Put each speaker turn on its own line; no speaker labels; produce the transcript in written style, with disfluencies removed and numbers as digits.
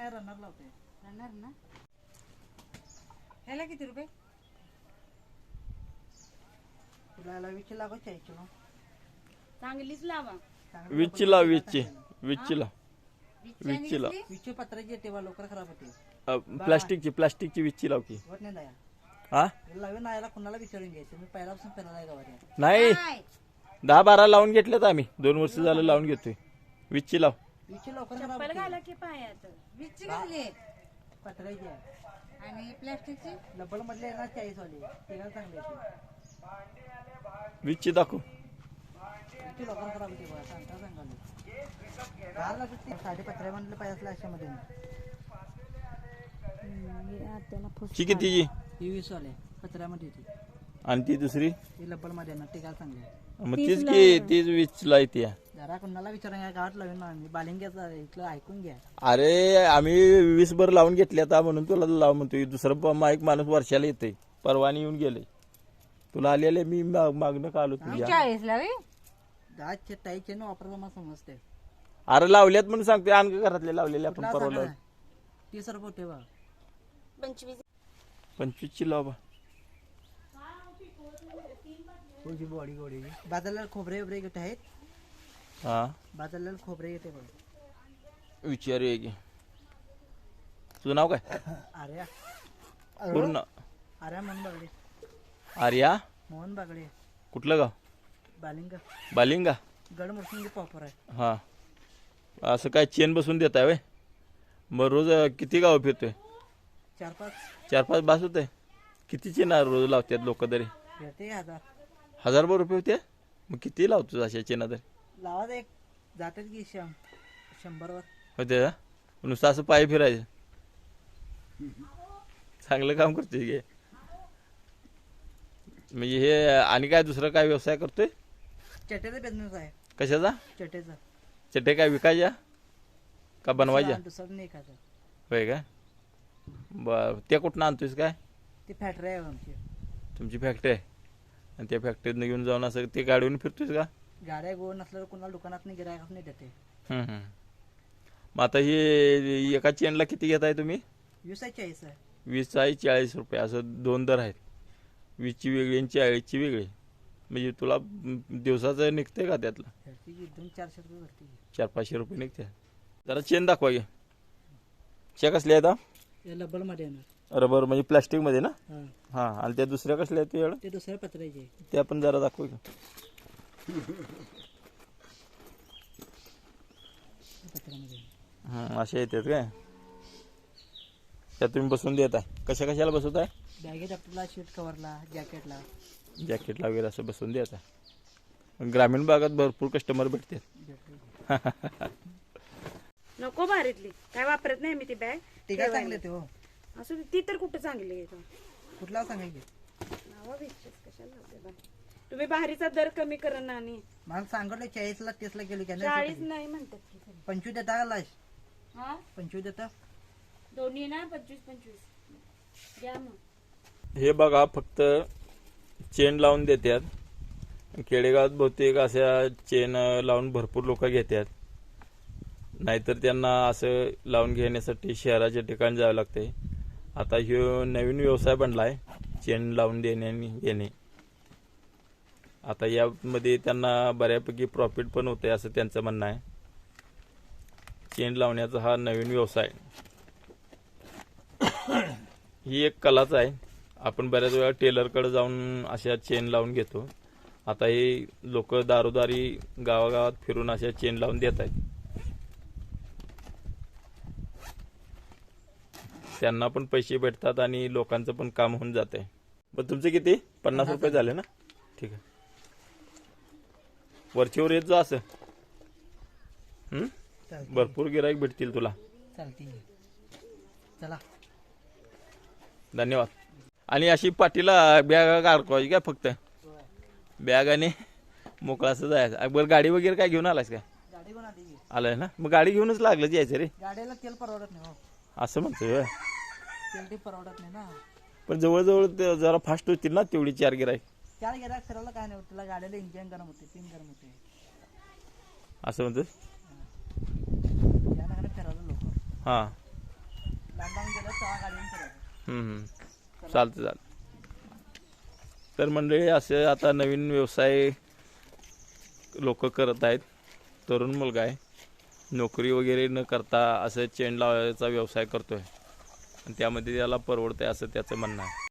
नाही रनर लावते.
रनर ना. ह्याला किती रुपये?
तुला याला 20 लागो 40 किलो.
चांगलीच लावा.
20 लाव 20 लाव.
20 पत्राची येते बा लवकर खराब होते.
प्लास्टिकची 20 लाव की.
होत नाही दया.
हा
लावे ना याला कुणाला विचारून घ्यायचं. मी पहिल्यापासून फिरायला आहे गावात.
नाही 10-12 लावून घेतलेत आम्ही 2 वर्ष झालं लावून घेतोय. 20 लाव.
20 लवकर खराब
चप्पल
होते.
घाला की पायात. 20 घातली
पत्राची आहे.
आणि प्लास्टिकची
लब्बड मधले आहे ना 40 वाली. तिला चांगली येते.
20 दाखव.
20 लवकर खराब होते बघा. सांगाले. गार लागते. 5.5 म्हणलं पाहिजे अशामध्ये.
ची कितीची?
ही 20 वाले पत्र्यामध्ये येते.
आणि ती दुसरी
ती लब्बड मध्ये ना टिकायला चांगली आहे.
मग तीच की तीच 20 ला येते.
जरा कुणाला विचारून घ्या गावात लावेन ना आम्ही. बालिंग्याचं इथलं ऐकून घ्या.
अरे आम्ही 20 भर लावून घेतले आता म्हणून तुला लाव म्हणतोय. दुसरं एक माणूस वर्षाला येते. परवानी येऊन गेले. तुला आलेले मी मागणं का आलो तुझ्या.
40 लावी.
दाचे ताईचे ना वापरता मला समजते.
अरे लावल्यात म्हणून सांगते. आणखी घरातले लावलेले आपण परवा लावले.
30 रुपये होते बा.
25 लाव बा.
तुझी बॉडी गोडी बाजारला खोबरे वगैरे घेत आहेत.
हा
बाजारला खोबरे येते बघ.
विचारूया की. तुझं नाव काय?
अरे
पूर्ण
अरे मोहन बागडे.
आर्या
मोहन बागडे.
कुठलं गाव?
बालिंगा.
बालिंगा.
गड मुरसिंगी प्रॉपर आहे.
हा असं काय चेन बसून देत आहे. मग रोज किती गाव फिरतोय?
4-5
बास होते. किती चेन रोज लावतात लोक तरी?
भेटते 1000.
1000 रुपये होते. मग किती लावतो अशा चेना तरी?
लावा एक जातात की 100 वर
होते का? नुसतं असं पाय फिरायचं. चांगलं काम करतोय की. म्हणजे हे आणि काय दुसरं काय व्यवसाय करतोय?
चटेचा बिझनेस आहे.
कशाचा?
चटेचा.
चटे काय विकायच्या का बनवायच्या?
दुसरं नाही खायचं.
होय का? बर त्या कुठनं आणतोयस काय?
ती फॅक्टरी आहे आमची.
तुमची फॅक्टरी आहे आणि त्या फॅक्टरीतनं घेऊन जाऊन असं ते गाडीवरून फिरतोयस का?
गाड्या गोळ नसल्यावर कुणाला दुकानात नाही गिरायक नाही देते.
मग आता हे एका चेनला किती घेताय तुम्ही?
20 आहे 40 आहे.
20 आहे 40 रुपये असं 2 दर आहेत. 20ची वेगळी आणि 40ची वेगळी. म्हणजे तुला दिवसाचं निघते का त्यातलं?
200-400 रुपये भरते.
400-500 रुपये निघते. जरा चेन दाखवा घे. च्या कसल्या आहेत?
हे लब्बड मध्ये येणार.
रबर म्हणजे प्लास्टिक मध्ये ना?
हा.
हा आणि त्या दुसऱ्या कसल्या आहेत?
ते दुसऱ्या पत्र्याचे.
ते आपण जरा दाखवू का?
पत्र्यामध्ये
असे येतात काय? त्या तुम्ही बसून देत आहे. कशाला बसवत आहे?
बॅगेत आपल्याला शीट कव्हरला जॅकेटला
जॅकेटला वगैरे असं बसून देत आहे. ग्रामीण भागात भरपूर कस्टमर भेटतात.
नको भारीतली काय वापरत नाही मी ती बॅग.
ते काय चांगले ते हो.
असं ती तर कुठं चांगली आहे.
कुठला सांगायचे?
नावा विचार कशाला लावते बाई. तुम्ही भारीचा दर कमी करा ना. आणि
मला सांगितलं 40ला 30ला गेलो की
40 नाही म्हणतात की.
25 देता का लाश?
हा
25 देता.
दोन्ही ना 25 घ्या मग.
हे बघा फक्त चेन लावून देतात. खेडेगावात बहुतेक अशा चेन लावून भरपूर लोक घेतात. नाहीतर त्यांना असं लावून घेण्यासाठी शहराच्या ठिकाणी जावं लागते. आता ह्यो नवीन व्यवसाय बनला आहे चेन लावून देणे आणि घेणे. आता यामध्ये त्यांना बऱ्यापैकी प्रॉफिट पण होते असं त्यांचं म्हणणं आहे. चेन लावण्याचा हा नवीन व्यवसाय. ही एक कलाच आहे. आपण बऱ्याच वेळा टेलरकडे जाऊन अशा चेन लावून घेतो. आता हे लोक दारोदारी गावागावात फिरून अशा चेन लावून देत आहेत. त्यांना पण पैसे भेटतात आणि लोकांचं पण काम होऊन जात आहे. मग तुमचे किती? 50 रुपये झाले ना? ठीक आहे. वरचीवर येत जा असं. भरपूर गिराईक भेटतील तुला.
चालते. चला
धन्यवाद. आणि अशी पाठीला बॅग काढवायची काय? फक्त बॅग आणि मोकळा असं जायचं. बरं गाडी वगैरे काय घेऊन आलायस काय?
गाडी घेऊन आली.
आलाय ना? मग गाडी घेऊनच लागलं यायचं रे.
गाडीला तेल परवडत नाही हो.
असं म्हणतोय.
तेल ते परवडत नाही ना.
पण जवळजवळ जरा फास्ट होतील ना तेवढी 4 गिराईक.
4 गिराईक फिरायला काय नाही होत. त्याला गाडीला इंजिन गरम होते. 3 गरम होते.
असं म्हणतो.
या फिरायला लोक.
हां
बँड लावून गेलं तेव्हा गाडीने फिरायचं.
चालतं. तर मंडळी असे आता नवीन व्यवसाय लोक करत आहेत. तरुण मुलगा आहे, नोकरी वगैरे न करता असं चेन लावायचा व्यवसाय करतोय आणि त्यामध्ये त्याला परवडतंय असं त्याचं म्हणणं आहे.